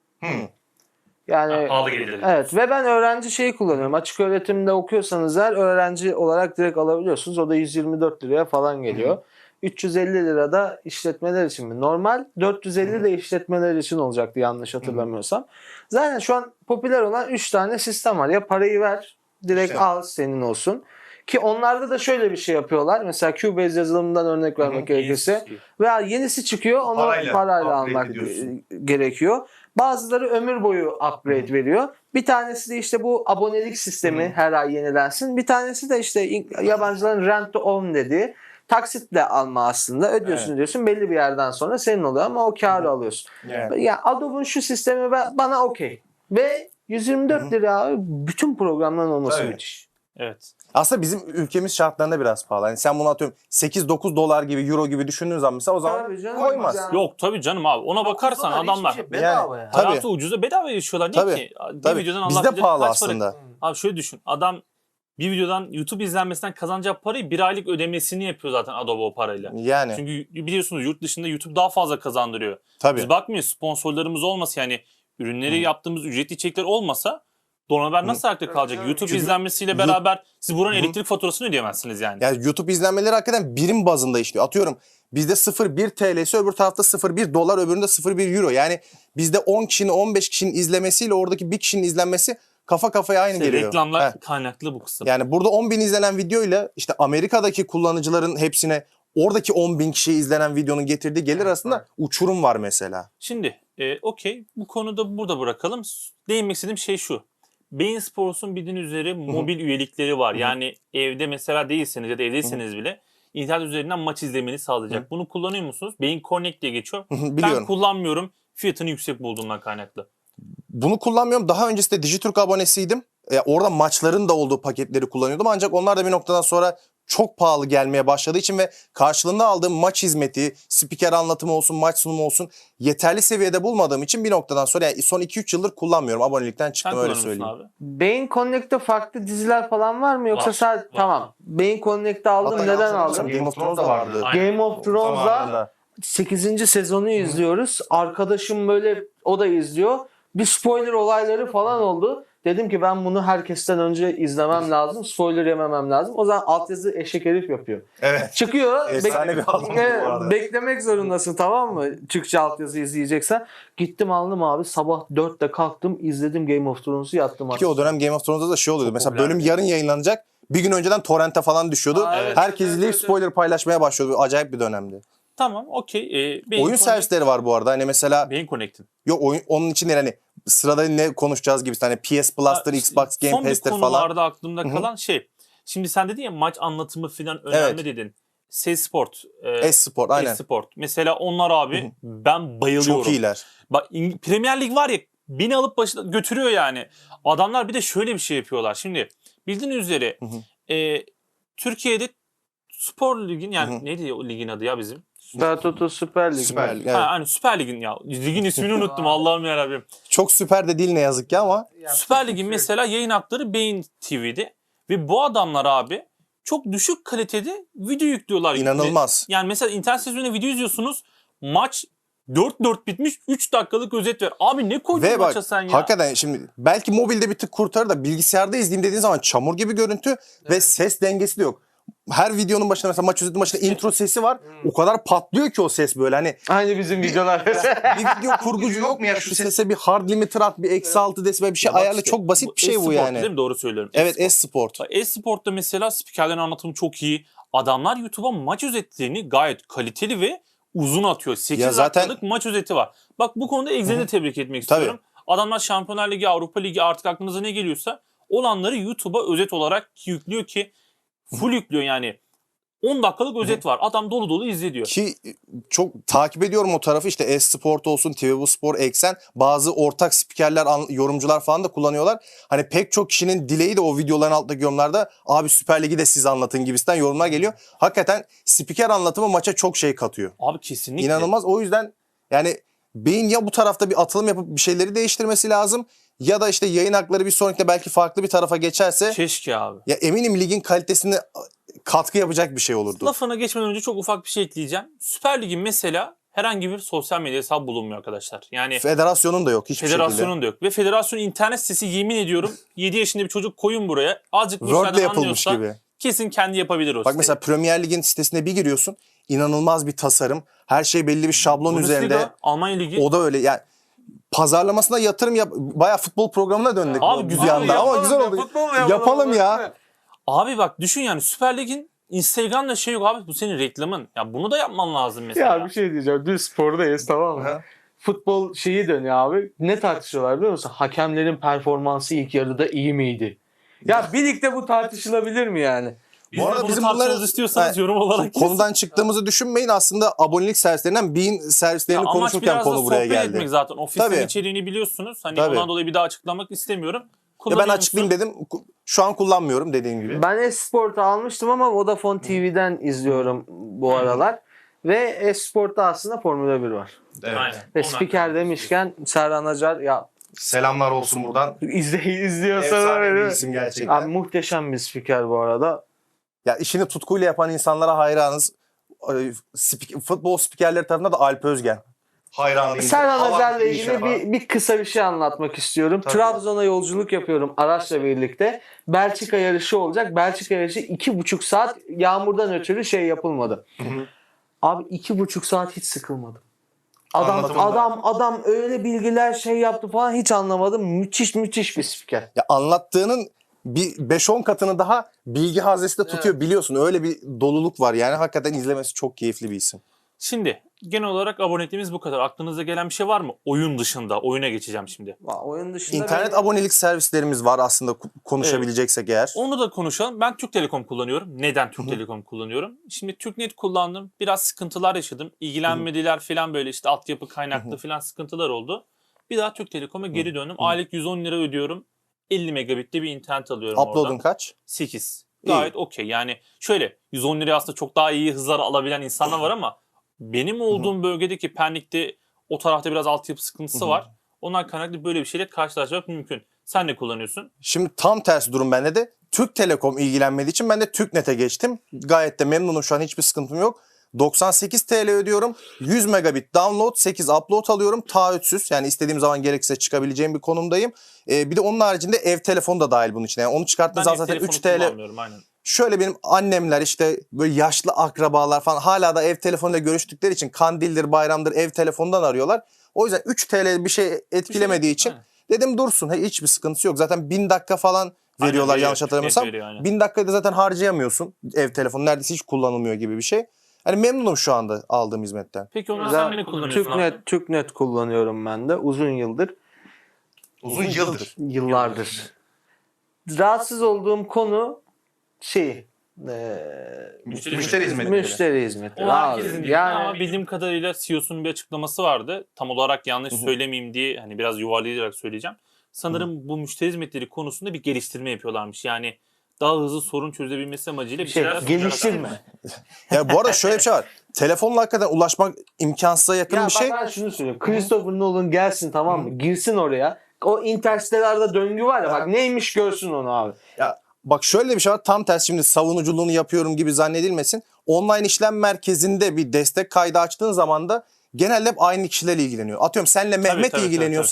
Speaker 3: Yani
Speaker 1: Pahalı gelir.
Speaker 3: evet ve ben öğrenci şeyi kullanıyorum. Açık öğretimde okuyorsanız eğer öğrenci olarak direkt alabiliyorsunuz. O da yüz yirmi dört liraya falan geliyor. üç yüz elli lira da işletmeler için mi? Normal dört yüz elli de işletmeler için olacaktı yanlış hatırlamıyorsam. Zaten şu an popüler olan üç tane sistem var. Ya parayı ver direkt
Speaker 2: İşte.
Speaker 3: al senin olsun. Ki onlarda da şöyle bir şey yapıyorlar. Mesela Cubase yazılımından örnek vermek gerekirse. Veya yenisi çıkıyor onu
Speaker 2: Parayla
Speaker 3: parayla,
Speaker 2: upgrade
Speaker 3: almak
Speaker 2: ediyorsun.
Speaker 3: e, gerekiyor. Bazıları ömür boyu upgrade veriyor. Bir tanesi de işte bu abonelik sistemi her ay yenilensin. Bir tanesi de işte in- yabancıların rent to own dediği taksitle alma aslında. Ödüyorsun
Speaker 2: Evet.
Speaker 3: diyorsun belli bir yerden sonra senin oluyor ama o karı alıyorsun.
Speaker 2: Yani.
Speaker 3: Ya Adobe'un şu sistemi ba- bana okey. Ve yüz yirmi dört lira abi bütün programların olması
Speaker 2: Tabii.
Speaker 3: müthiş.
Speaker 1: Evet.
Speaker 2: Aslında bizim ülkemiz şartlarında biraz pahalı. Yani sen bunu atıyorum sekiz dokuz dolar gibi euro gibi düşündüğün zaman mesela o zaman
Speaker 3: Tabii canım.
Speaker 2: koymaz.
Speaker 3: Ya.
Speaker 1: Yok tabii canım abi. Ona bakarsan
Speaker 3: Hiçbir
Speaker 1: adamlar
Speaker 3: şey bedava ya.
Speaker 2: Tabii.
Speaker 1: hayatı ucuza bedava yaşıyorlar. Niye
Speaker 2: Tabii,
Speaker 1: ki? Bir
Speaker 2: tabii.
Speaker 1: videodan Allah
Speaker 2: Bizde
Speaker 1: bilir
Speaker 2: pahalı
Speaker 1: kaç para-
Speaker 2: aslında.
Speaker 1: Abi şöyle düşün. Adam bir videodan YouTube izlenmesinden kazanacağı parayı bir aylık ödemesini yapıyor zaten Adobe o parayla.
Speaker 2: Yani
Speaker 1: Çünkü biliyorsunuz yurt dışında YouTube daha fazla kazandırıyor.
Speaker 2: tabii.
Speaker 1: Biz bakmıyoruz sponsorlarımız olmasa yani ürünleri yaptığımız ücretli içerikler olmasa Donaber nasıl ayakta kalacak?
Speaker 3: Evet,
Speaker 1: YouTube
Speaker 2: çünkü-
Speaker 1: izlenmesiyle
Speaker 2: Yu-
Speaker 1: beraber siz buranın
Speaker 2: Hı.
Speaker 1: elektrik faturasını ödeyemezsiniz yani.
Speaker 2: Yani YouTube izlenmeleri hakikaten birim bazında işliyor. Atıyorum bizde sıfır virgül bir T L'si öbür tarafta sıfır virgül bir dolar öbüründe sıfır virgül bir euro. Yani bizde on kişinin on beş kişinin izlemesiyle oradaki bir kişinin izlenmesi kafa kafaya aynı
Speaker 1: İşte
Speaker 2: geliyor.
Speaker 1: reklamlar
Speaker 2: Heh.
Speaker 1: kaynaklı bu kısım.
Speaker 2: Yani burada on bin izlenen videoyla işte Amerika'daki kullanıcıların hepsine oradaki on bin kişiye izlenen videonun getirdiği gelir
Speaker 3: Evet,
Speaker 2: arasında
Speaker 3: evet.
Speaker 2: uçurum var mesela.
Speaker 1: Şimdi e, okey bu konuda burada bırakalım. Değinmek istediğim şey şu. Bein Sports'un bildiğiniz üzere mobil üyelikleri var.
Speaker 2: Hı hı.
Speaker 1: Yani evde mesela değilseniz ya da evdeyseniz bile internet üzerinden maç izlemeni sağlayacak.
Speaker 2: Hı.
Speaker 1: Bunu kullanıyor musunuz? Bein Connect diye geçiyor. Ben
Speaker 2: Biliyorum.
Speaker 1: kullanmıyorum. Fiyatını yüksek bulduğumdan kaynaklı.
Speaker 2: Bunu kullanmıyorum. Daha öncesinde Digiturk abonesiydim. E, orada maçların da olduğu paketleri kullanıyordum. Ancak onlar da bir noktadan sonra çok pahalı gelmeye başladığı için ve karşılığında aldığım maç hizmeti, spiker anlatımı olsun, maç sunumu olsun yeterli seviyede bulmadığım için bir noktadan sonra yani son iki üç yıldır kullanmıyorum. Abonelikten
Speaker 1: Sen
Speaker 2: çıktım öyle
Speaker 1: kullanır mısın
Speaker 2: söyleyeyim.
Speaker 1: abi?
Speaker 3: Beyin Connect'te farklı diziler falan var mı yoksa
Speaker 1: Var,
Speaker 3: sadece
Speaker 1: var.
Speaker 3: tamam. Beyin Connect'te aldım.
Speaker 2: Hatta
Speaker 3: Neden
Speaker 2: yanlış
Speaker 3: aldım?
Speaker 2: hatırlamıyorsam Game of Thrones da vardı.
Speaker 1: Aynen.
Speaker 3: Game of Thrones'da
Speaker 2: Zamanında.
Speaker 3: sekizinci sezonu izliyoruz. Arkadaşım böyle o da izliyor. Bir spoiler olayları falan oldu. Dedim ki ben bunu herkesten önce izlemem lazım. Spoiler yememem lazım. O zaman altyazı eşek herif yapıyor.
Speaker 2: Evet.
Speaker 3: Çıkıyor.
Speaker 2: Efsane bir adam bu
Speaker 3: Evet,
Speaker 2: arada.
Speaker 3: beklemek zorundasın tamam mı? Türkçe altyazı izleyeceksen. Gittim aldım abi. Sabah dörtte kalktım. izledim Game of Thrones'u yattım.
Speaker 2: Ki o dönem Game of Thrones'da da şey oluyordu. Mesela
Speaker 1: popülerdi.
Speaker 2: bölüm yarın yayınlanacak. Bir gün önceden torrente falan düşüyordu.
Speaker 3: Aa, evet,
Speaker 2: Herkes
Speaker 3: evet,
Speaker 2: izleyip
Speaker 3: evet,
Speaker 2: spoiler paylaşmaya başlıyordu. Acayip bir dönemdi.
Speaker 1: Tamam okey. E, Bein
Speaker 2: Oyun
Speaker 1: Connect-
Speaker 2: servisleri var bu arada. Hani mesela
Speaker 1: Bein Connect'in.
Speaker 2: yok oyun, onun için değil hani sırada ne konuşacağız gibi hani P S Plus'tır,
Speaker 1: Ha,
Speaker 2: Xbox Game
Speaker 1: Son bir
Speaker 2: Pass'tir
Speaker 1: konu
Speaker 2: falan.
Speaker 1: vardı aklımda
Speaker 2: Hı hı.
Speaker 1: kalan şey. Şimdi sen dedin ya maç anlatımı falan önemli
Speaker 2: Evet.
Speaker 1: dedin. S-Sport. E,
Speaker 2: E-sport aynen.
Speaker 1: E-Sport. Mesela onlar abi ben bayılıyorum.
Speaker 2: Çok iyiler.
Speaker 1: Bak İng- Premier Lig var ya beni alıp başına götürüyor yani. Adamlar bir de şöyle bir şey yapıyorlar. Şimdi bildiğiniz üzere
Speaker 2: Hı hı.
Speaker 1: e, Türkiye'de Spor Lig'in yani
Speaker 2: Hı hı.
Speaker 1: neydi o ligin adı ya bizim?
Speaker 3: Süper Toto Süper Lig.
Speaker 2: Süper Lig.
Speaker 1: Ha,
Speaker 2: Evet.
Speaker 1: hani Süper Lig'in ya. Ligin ismini unuttum Allah'ım yarabbim.
Speaker 2: Çok süper de değil ne yazık ki ama
Speaker 1: Süper Lig'in mesela yayın hakları Bein T V'de ve bu adamlar abi çok düşük kalitede video yüklüyorlar.
Speaker 2: inanılmaz.
Speaker 1: Yani mesela internet sitesinde video izliyorsunuz. Maç dört dört bitmiş. üç dakikalık özet ver. Abi ne koydun
Speaker 2: Ve bak
Speaker 1: maça sen ya?
Speaker 2: hakikaten şimdi belki mobilde bir tık kurtarır da bilgisayarda izleyeyim dediğin zaman çamur gibi görüntü ve ses dengesi de yok. her videonun başında mesela maç özetinin başında intro sesi var. O kadar patlıyor ki o ses böyle hani.
Speaker 3: Aynı bizim videolar.
Speaker 2: Bir video kurgucu yok mu ya şu sese bir hard limiter at, bir eksi altı desibel bir şey
Speaker 1: Ya bak
Speaker 2: ayarla,
Speaker 1: işte,
Speaker 2: çok basit bir şey bu
Speaker 1: e-sport
Speaker 2: yani.
Speaker 1: değil mi? Doğru söylüyorum.
Speaker 2: Evet,
Speaker 1: E-sport.
Speaker 2: e-sport.
Speaker 1: E-sport'ta mesela spikerlerin anlatımı çok iyi. Adamlar YouTube'a maç özetlerini gayet kaliteli ve uzun atıyor. sekiz
Speaker 2: Ya zaten-
Speaker 1: dakikalık maç özeti var. Bak bu konuda Exe'de tebrik etmek
Speaker 2: Tabii.
Speaker 1: istiyorum. Adamlar Şampiyonlar Ligi, Avrupa Ligi artık aklınıza ne geliyorsa olanları YouTube'a özet olarak yüklüyor ki full yüklüyor yani. on dakikalık özet var. Adam dolu dolu izliyor.
Speaker 2: Ki çok takip ediyorum o tarafı, işte e-sport olsun, T V Bu Spor, Eksen, bazı ortak spikerler, an- yorumcular falan da kullanıyorlar. Hani pek çok kişinin dileği de o videoların altındaki yorumlarda abi Süper Lig'i de siz anlatın gibisinden yorumlar geliyor. Hakikaten spiker anlatımı maça çok şey katıyor.
Speaker 1: Abi kesinlikle.
Speaker 2: İnanılmaz. O yüzden yani beyin ya bu tarafta bir atılım yapıp bir şeyleri değiştirmesi lazım ya da işte yayın hakları bir sonrakinde belki farklı bir tarafa geçerse
Speaker 1: Keşke abi.
Speaker 2: ya eminim ligin kalitesine katkı yapacak bir şey olurdu.
Speaker 1: Lafına geçmeden önce çok ufak bir şey ekleyeceğim. Süper Lig'in mesela herhangi bir sosyal medya hesabı bulunmuyor arkadaşlar. Yani
Speaker 2: Federasyonun da yok hiçbir
Speaker 1: federasyonun
Speaker 2: şekilde.
Speaker 1: da yok. Ve federasyonun internet sitesi, yemin ediyorum yedi yaşında bir çocuk koyun buraya. Azıcık bu
Speaker 2: Word'le
Speaker 1: işlerden
Speaker 2: yapılmış
Speaker 1: anlıyorsa
Speaker 2: gibi.
Speaker 1: kesin kendi yapabilir o
Speaker 2: Bak
Speaker 1: siteyi.
Speaker 2: mesela Premier Lig'in sitesine bir giriyorsun. İnanılmaz bir tasarım. Her şey belli bir şablon üzerinde.
Speaker 1: Bundesliga, Almanya Ligi.
Speaker 2: O da öyle. Yani pazarlamasına yatırım yap. Bayağı futbol programına döndük
Speaker 1: Abi
Speaker 2: bu
Speaker 1: güzel
Speaker 2: bir anda
Speaker 1: ya,
Speaker 2: ama
Speaker 3: yapalım
Speaker 2: güzel
Speaker 3: ya,
Speaker 2: oldu.
Speaker 3: futbol
Speaker 2: Yapalım,
Speaker 3: yapalım
Speaker 2: ya.
Speaker 1: Abi bak düşün yani Süper Lig'in Instagram'da şey yok abi, bu senin reklamın. Ya bunu da yapman lazım mesela.
Speaker 3: Ya bir şey diyeceğim. Dün spordayız, tamam mı?
Speaker 2: Aha.
Speaker 3: Futbol şeyi dönüyor abi. Ne tartışıyorlar biliyor musun? Hakemlerin performansı ilk yarıda iyi miydi? Ya birlikte bu tartışılabilir mi yani?
Speaker 1: Biz
Speaker 2: Bu
Speaker 1: de
Speaker 2: arada
Speaker 1: bunu
Speaker 2: bizim
Speaker 1: tartışmamızı
Speaker 2: bunları-
Speaker 1: istiyorsanız yorum olarak yazın.
Speaker 2: Konudan çıktığımızı düşünmeyin. Aslında abonelik servislerinden Bein servislerini
Speaker 1: Ya amaç
Speaker 2: konuşurken
Speaker 1: biraz da
Speaker 2: konu buraya
Speaker 1: sohbet
Speaker 2: geldi.
Speaker 1: etmek zaten. Ofisin
Speaker 2: Tabii.
Speaker 1: içeriğini biliyorsunuz. Hani
Speaker 2: Tabii.
Speaker 1: ondan dolayı bir daha açıklamak istemiyorum.
Speaker 2: Ya ben
Speaker 1: Kullanıyor
Speaker 2: açıklayayım
Speaker 1: musun?
Speaker 2: dedim. Şu an kullanmıyorum dediğim gibi.
Speaker 3: Ben Esport'u almıştım ama Vodafone T V'den izliyorum bu aralar. Ve Esport'ta aslında Formula bir var.
Speaker 2: Evet.
Speaker 1: Aynen.
Speaker 3: Ve
Speaker 1: Ondan-
Speaker 3: spiker demişken Serhan Acar ya
Speaker 2: Selamlar olsun buradan.
Speaker 3: izle, izliyorsan
Speaker 2: Efsane bir
Speaker 3: öyle.
Speaker 2: isim gerçekten.
Speaker 3: Abi muhteşem bir spiker bu arada.
Speaker 2: Ya işini tutkuyla yapan insanlara hayranız. Ee, spik- futbol spikerleri tarafında da Alp Özgen. Hayranıyım.
Speaker 3: Serhan
Speaker 2: Hava
Speaker 3: Azer'le
Speaker 2: bir iş
Speaker 3: ilgili
Speaker 2: yapan.
Speaker 3: bir, bir kısa bir şey anlatmak istiyorum.
Speaker 2: Tabii.
Speaker 3: Trabzon'a yolculuk yapıyorum araçla birlikte. Belçika yarışı olacak. Belçika yarışı iki buçuk saat yağmurdan ötürü şey yapılmadı.
Speaker 2: hı.
Speaker 3: Abi iki buçuk saat hiç sıkılmadım. Adam
Speaker 2: Anlatımında.
Speaker 3: adam adam öyle bilgiler şey yaptı falan, hiç anlamadım. Müthiş müthiş bir spiker.
Speaker 2: Ya anlattığının bir beş on katını daha bilgi haznesi de tutuyor, biliyorsun. Öyle bir doluluk var yani, hakikaten izlemesi çok keyifli bir isim.
Speaker 1: Şimdi genel olarak aboneliğimiz bu kadar. Aklınıza gelen bir şey var mı? Oyun dışında. Oyuna geçeceğim şimdi.
Speaker 3: Va- Oyun dışında
Speaker 2: İnternet
Speaker 3: benim-
Speaker 2: abonelik servislerimiz var aslında, ku- konuşabileceksek eğer.
Speaker 1: Onu da konuşalım. Ben Türk Telekom kullanıyorum. Neden Türk Telekom kullanıyorum? Şimdi TürkNet kullandım. Biraz sıkıntılar yaşadım. İlgilenmediler falan, böyle işte altyapı kaynaklı falan sıkıntılar oldu. Bir daha Türk Telekom'a geri döndüm. Aylık yüz on lira ödüyorum. elli megabitte bir internet alıyorum
Speaker 2: Upload'un
Speaker 1: oradan.
Speaker 2: kaç?
Speaker 1: sekiz.
Speaker 2: İyi.
Speaker 1: Gayet okey. Yani şöyle yüz on liraya aslında çok daha iyi hızlar alabilen insanlar var ama benim olduğum bölgedeki Pendik'te o tarafta biraz altyapı sıkıntısı var. Onlar kaynaklı böyle bir şeyle karşılaşmak mümkün. Sen ne kullanıyorsun?
Speaker 2: Şimdi tam tersi durum bende de. Türk Telekom ilgilenmediği için ben de TürkNet'e geçtim. Gayet de memnunum, şu an hiçbir sıkıntım yok. doksan sekiz TL ödüyorum. yüz megabit download, sekiz upload alıyorum. Taahhütsüz, yani istediğim zaman gerekirse çıkabileceğim bir konumdayım. Ee, bir de onun haricinde ev telefonu da dahil bunun içine. Yani onu çıkarttığınız zaman
Speaker 1: ev
Speaker 2: zaten
Speaker 1: telefonu
Speaker 2: üç TL.
Speaker 1: kullanmıyorum, aynen.
Speaker 2: Şöyle benim annemler, işte böyle yaşlı akrabalar falan hala da ev telefonuyla görüştükleri için kandildir, bayramdır ev telefonundan arıyorlar. O yüzden üç TL bir şey etkilemediği için
Speaker 1: aynen.
Speaker 2: dedim dursun. He, hiçbir sıkıntısı yok. Zaten bin dakika falan veriyorlar
Speaker 1: veriyor,
Speaker 2: yanlış
Speaker 1: TürkNet
Speaker 2: hatırlamıyorsam.
Speaker 1: veriyor, aynen.
Speaker 2: bin dakikayı da zaten harcayamıyorsun. Ev telefonu neredeyse hiç kullanılmıyor gibi bir şey. Hani memnunum şu anda aldığım hizmetten.
Speaker 1: Peki onu
Speaker 3: Güzel.
Speaker 1: sen ne kullanıyorsun? abi?
Speaker 3: TürkNet, TürkNet kullanıyorum ben de uzun yıldır.
Speaker 2: Uzun yıldır.
Speaker 3: Yıllardır. Rahatsız olduğum konu şey eee
Speaker 1: Müşteri,
Speaker 2: Müşteri hizmetleri.
Speaker 3: müşteri hizmetleri.
Speaker 1: O
Speaker 3: Abi,
Speaker 1: herkesin değil
Speaker 3: yani
Speaker 1: ama bildiğim kadarıyla C E O'sunun bir açıklaması vardı. Tam olarak yanlış söylemeyeyim diye hani biraz yuvarlayarak söyleyeceğim. Sanırım bu müşteri hizmetleri konusunda bir geliştirme yapıyorlarmış. Yani daha hızlı sorun çözebilmesi amacıyla bir
Speaker 3: şey,
Speaker 1: şeyler
Speaker 3: geliştirme.
Speaker 2: Ya bu arada şöyle bir şey var. Telefonla hakikaten ulaşmak imkansıza yakın
Speaker 3: Ya
Speaker 2: bir
Speaker 3: bak
Speaker 2: şey.
Speaker 3: ben şunu söylüyorum. Christopher Nolan gelsin, tamam mı? Girsin oraya. O Interstellar'da döngü var ya, bak neymiş görsün onu abi.
Speaker 2: Ya bak şöyle bir şey var. Tam tersi, şimdi savunuculuğunu yapıyorum gibi zannedilmesin. Online işlem merkezinde bir destek kaydı açtığın zaman da genelde hep aynı kişiler ilgileniyor. Atıyorum senle Mehmet
Speaker 1: tabii,
Speaker 2: ilgileniyorsa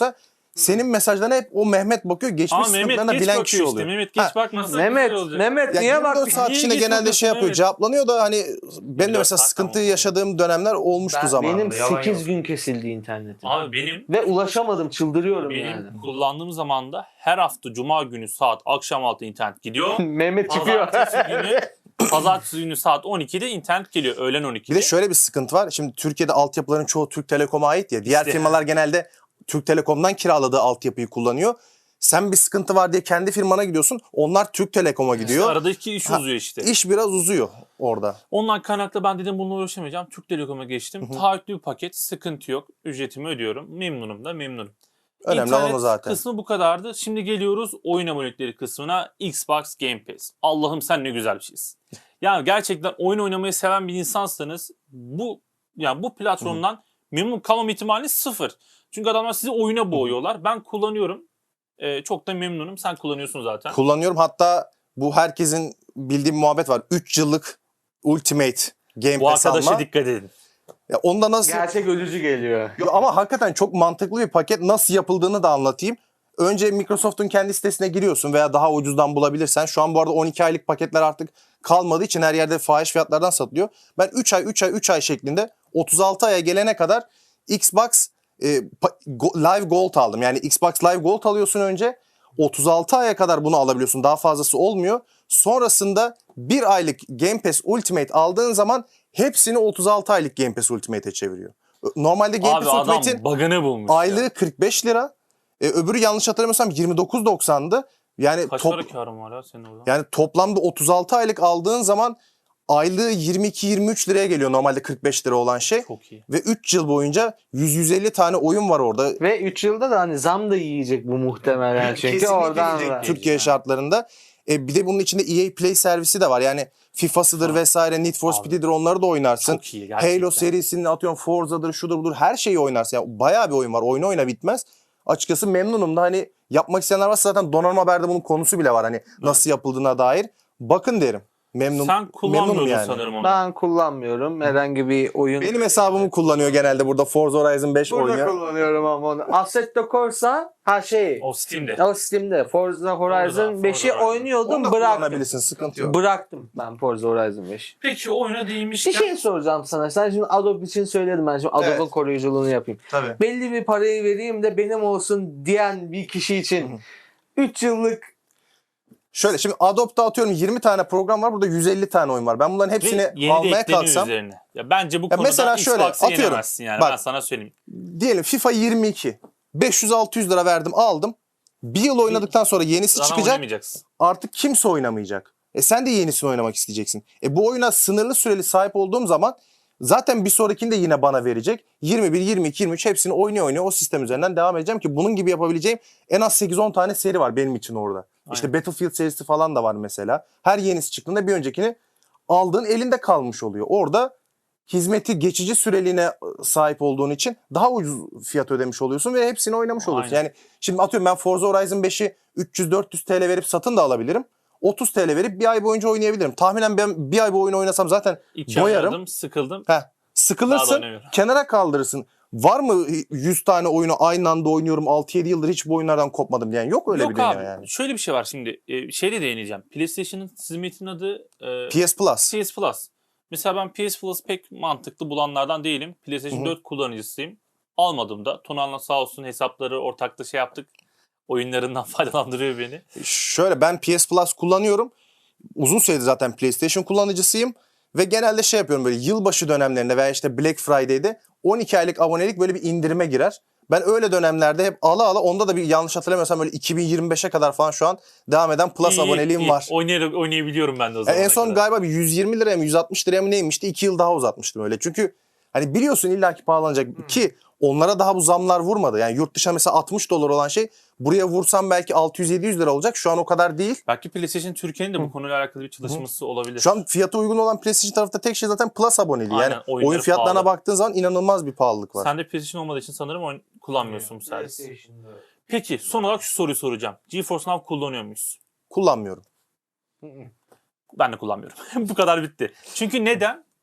Speaker 2: Senin mesajlarına hep o Mehmet bakıyor. Geçmiş
Speaker 1: Ama Mehmet
Speaker 2: sıkıntılarına
Speaker 1: geç
Speaker 2: bilen
Speaker 1: bakıyor
Speaker 2: kişi
Speaker 1: işte.
Speaker 2: oluyor.
Speaker 1: Mehmet geç
Speaker 2: Ha,
Speaker 1: bakmasa
Speaker 3: Mehmet,
Speaker 1: güzel olacak.
Speaker 3: Mehmet
Speaker 2: Ya
Speaker 3: niye
Speaker 2: yirmi dört
Speaker 3: bak?
Speaker 2: saat
Speaker 1: Niye
Speaker 2: içinde
Speaker 1: geç
Speaker 2: genelde şey
Speaker 1: bakıyorsun?
Speaker 2: yapıyor,
Speaker 1: Evet.
Speaker 2: cevaplanıyor da hani ben de mesela
Speaker 1: saat
Speaker 2: sıkıntı
Speaker 1: tamam.
Speaker 2: yaşadığım dönemler olmuştu
Speaker 3: Ben,
Speaker 2: zamanında.
Speaker 3: benim
Speaker 2: yalan
Speaker 3: sekiz
Speaker 2: yok.
Speaker 3: gün kesildi internetim.
Speaker 1: Abi benim
Speaker 3: Ve ulaşamadım, çıldırıyorum
Speaker 1: benim
Speaker 3: yani.
Speaker 1: kullandığım zamanda her hafta cuma günü saat akşam altı internet gidiyor.
Speaker 3: Mehmet çıkıyor.
Speaker 1: Pazartesi günü Pazartesi günü saat on ikide internet geliyor. Öğlen on ikide.
Speaker 2: Bir de şöyle bir sıkıntı var. Şimdi Türkiye'de altyapıların çoğu Türk Telekom'a ait ya. Diğer
Speaker 1: İşte.
Speaker 2: firmalar genelde Türk Telekom'dan kiraladığı altyapıyı kullanıyor. Sen bir sıkıntı var diye kendi firmana gidiyorsun. Onlar Türk Telekom'a
Speaker 1: İşte
Speaker 2: gidiyor.
Speaker 1: aradaki iş
Speaker 2: Ha,
Speaker 1: uzuyor işte.
Speaker 2: İş biraz uzuyor orada.
Speaker 1: Ondan kaynaklı ben dedim bununla uğraşamayacağım. Türk Telekom'a geçtim. Taahhütlü bir paket. Sıkıntı yok. Ücretimi ödüyorum. Memnunum da memnunum.
Speaker 2: Önemli
Speaker 1: İnternet
Speaker 2: olan o zaten.
Speaker 1: kısmı bu kadardı. Şimdi geliyoruz oyun abonelikleri kısmına. Xbox Game Pass. Allah'ım sen ne güzel bir şeysin. Yani gerçekten oyun oynamayı seven bir insansanız bu yani bu platformdan memnun kalmam ihtimali sıfır. Çünkü adamlar sizi oyuna boğuyorlar. Ben kullanıyorum. Ee, çok da memnunum. Sen kullanıyorsun zaten.
Speaker 2: Kullanıyorum. Hatta bu herkesin bildiği bir muhabbet var. üç yıllık Ultimate Game
Speaker 1: Bu
Speaker 2: Pass
Speaker 1: arkadaşa
Speaker 2: alma.
Speaker 1: dikkat edin.
Speaker 2: Ya onda nasıl...
Speaker 3: Gerçek ölücü geliyor.
Speaker 2: Yo, ama hakikaten çok mantıklı bir paket. Nasıl yapıldığını da anlatayım. Önce Microsoft'un kendi sitesine giriyorsun veya daha ucuzdan bulabilirsen. Şu an bu arada on iki aylık paketler artık kalmadığı için her yerde fahiş fiyatlardan satılıyor. Ben üç ay üç ay üç ay şeklinde otuz altı aya gelene kadar Xbox e, pa- Go- Live Gold aldım. Yani Xbox Live Gold alıyorsun önce. otuz altı aya kadar bunu alabiliyorsun. Daha fazlası olmuyor. Sonrasında bir aylık Game Pass Ultimate aldığın zaman hepsini otuz altı aylık Game Pass Ultimate'e çeviriyor. Normalde Game
Speaker 1: Abi
Speaker 2: Pass
Speaker 1: adam
Speaker 2: Ultimate'in
Speaker 1: bug'ını bulmuş
Speaker 2: aylığı
Speaker 1: ya.
Speaker 2: kırk beş lira. E, öbürü yanlış hatırlamıyorsam yirmi dokuz doksandı. Yani
Speaker 1: Kaç
Speaker 2: top,
Speaker 1: para karın var ya senin orada?
Speaker 2: yani toplamda otuz altı aylık aldığın zaman aylığı yirmi iki yirmi üç liraya geliyor normalde kırk beş lira olan şey.
Speaker 1: Çok iyi.
Speaker 2: Ve üç yıl boyunca yüz yüz elli tane oyun var orada.
Speaker 3: Ve üç yılda da hani zam da yiyecek bu muhtemelen çünkü
Speaker 2: Kesinlikle
Speaker 3: oradan
Speaker 2: yiyecek
Speaker 3: da.
Speaker 2: Türkiye
Speaker 1: Yani.
Speaker 2: şartlarında. E, bir de bunun içinde E A Play servisi de var. Yani FIFA'sıdır
Speaker 1: Ha.
Speaker 2: vesaire, Need for
Speaker 1: Abi.
Speaker 2: Speed'dir onları da oynarsın.
Speaker 1: Çok iyi gerçekten.
Speaker 2: Halo serisinin atıyorum Forza'dır, şudur budur her şeyi oynarsın. Yani bayağı bir oyun var. Oyna oyna bitmez. Açıkçası memnunum da hani yapmak isteyenler varsa zaten Donanım Haber'de bunun konusu bile var. Hani nasıl yapıldığına dair. Bakın derim. Memnun,
Speaker 1: Sen
Speaker 2: memnunum
Speaker 1: kullanmıyordun
Speaker 2: yani.
Speaker 1: sanırım onu.
Speaker 3: Ben kullanmıyorum. Herhangi bir oyun.
Speaker 2: Benim hesabımı kullanıyor genelde burada Forza Horizon beş
Speaker 3: Burada
Speaker 2: oynuyor.
Speaker 3: kullanıyorum ama onu. Assetto Corsa ha şey.
Speaker 1: O Steam'de.
Speaker 3: O Steam'de Forza Horizon
Speaker 1: Forza
Speaker 3: beşi
Speaker 1: Horizon.
Speaker 3: oynuyordum,
Speaker 2: Onu da
Speaker 3: bıraktım.
Speaker 2: kullanabilirsin, sıkıntı yok.
Speaker 3: Bıraktım ben Forza Horizon beşi.
Speaker 1: Peki oyuna
Speaker 3: Bir
Speaker 1: değinmişken
Speaker 3: şey soracağım sana. Sen şimdi Adobe için söyledim, ben şimdi Adobe'ın
Speaker 2: Evet.
Speaker 3: koruyuculuğunu yapayım.
Speaker 2: Tabii.
Speaker 3: Belli bir parayı vereyim de benim olsun diyen bir kişi için üç yıllık
Speaker 2: Şöyle şimdi Adobe'da atıyorum yirmi tane program var. Burada yüz elli tane oyun var. Ben bunların
Speaker 1: ve
Speaker 2: hepsini
Speaker 1: yeni de
Speaker 2: almaya
Speaker 1: ekleniyor
Speaker 2: kalksam
Speaker 1: üzerine. Ya bence bu
Speaker 2: Ya
Speaker 1: konuda
Speaker 2: mesela şöyle,
Speaker 1: Xbox'ı
Speaker 2: atıyorum.
Speaker 1: yenemezsin yani.
Speaker 2: Bak.
Speaker 1: Ben sana söyleyeyim.
Speaker 2: diyelim FIFA yirmi iki beş yüz altı yüz lira verdim aldım. Bir yıl oynadıktan sonra yenisi
Speaker 1: Zaten
Speaker 2: çıkacak.
Speaker 1: oynamayacaksın.
Speaker 2: Artık kimse oynamayacak. E sen de yenisini oynamak isteyeceksin. E bu oyuna sınırlı süreli sahip olduğum zaman zaten bir sonrakini de yine bana verecek. yirmi bir, yirmi iki, yirmi üç hepsini oynuyor oynuyor o sistem üzerinden devam edeceğim ki bunun gibi yapabileceğim en az sekiz on tane seri var benim için orada. İşte
Speaker 1: Aynen.
Speaker 2: Battlefield serisi falan da var mesela. Her yenisi çıktığında bir öncekini aldığın elinde kalmış oluyor. Orada hizmeti geçici süreliğine sahip olduğun için daha ucuz fiyat ödemiş oluyorsun ve hepsini oynamış oluyorsun.
Speaker 1: Aynen.
Speaker 2: Yani şimdi atıyorum ben Forza Horizon beşi üç yüz dört yüz T L verip satın da alabilirim. otuz T L verip bir ay boyunca oynayabilirim. Tahminen ben bir ay bu oyunu oynasam zaten
Speaker 1: İki
Speaker 2: doyarım.
Speaker 1: oynadım, sıkıldım.
Speaker 2: Heh,
Speaker 1: Daha da
Speaker 2: sıkılırsın,
Speaker 1: oynamıyorum.
Speaker 2: kenara kaldırırsın. Var mı yüz tane oyunu aynı anda oynuyorum altı yedi yıldır hiç bu oyunlardan kopmadım diyen yok öyle
Speaker 1: Yok
Speaker 2: bir dünya
Speaker 1: abi.
Speaker 2: yani.
Speaker 1: Şöyle bir şey var şimdi. E, şeyle değineceğim. PlayStation'ın hizmetinin adı e,
Speaker 2: P S Plus.
Speaker 1: P S Plus. Mesela ben P S Plus pek mantıklı bulanlardan değilim. PlayStation
Speaker 2: Hı hı.
Speaker 1: dört kullanıcısıyım. Almadım da. Tonal'la sağ olsun hesapları ortakta şey yaptık. Oyunlarından faydalandırıyor beni.
Speaker 2: Şöyle ben P S Plus kullanıyorum. Uzun süredir zaten PlayStation kullanıcısıyım. Ve genelde şey yapıyorum böyle yılbaşı dönemlerinde veya işte Black Friday'de on iki aylık abonelik böyle bir indirime girer. Ben öyle dönemlerde hep ala ala onda da bir yanlış hatırlamıyorsam böyle iki bin yirmi beşe kadar falan şu an devam eden Plus
Speaker 1: İyi,
Speaker 2: aboneliğim
Speaker 1: iyi.
Speaker 2: var.
Speaker 1: Oynay- oynayabiliyorum ben de o
Speaker 2: Yani
Speaker 1: zaman.
Speaker 2: en son galiba bir yüz yirmi liraya mı yüz altmış liraya mı neymişti? iki yıl daha uzatmıştım öyle. Çünkü hani biliyorsun illaki pahalanacak ki onlara daha bu zamlar vurmadı. Yani yurt dışına mesela altmış dolar olan şey buraya vursam belki altı yüz yedi yüz lira olacak. Şu an o kadar değil.
Speaker 1: Belki PlayStation Türkiye'nin de bu konuyla alakalı bir çalışması olabilir.
Speaker 2: Şu an fiyata uygun olan PlayStation tarafta tek şey zaten Plus aboneliği.
Speaker 1: Aynen,
Speaker 2: Yani
Speaker 1: oyunları
Speaker 2: oyun fiyatlarına
Speaker 1: pahalı.
Speaker 2: baktığın zaman inanılmaz bir pahalılık var.
Speaker 1: Sen de PlayStation olmadığı için sanırım oyun kullanmıyorsun bu servis. Peki son olarak şu soruyu soracağım. GeForce Now kullanıyor muyuz?
Speaker 2: Kullanmıyorum.
Speaker 1: Ben de kullanmıyorum. Bu kadar bitti. Çünkü neden?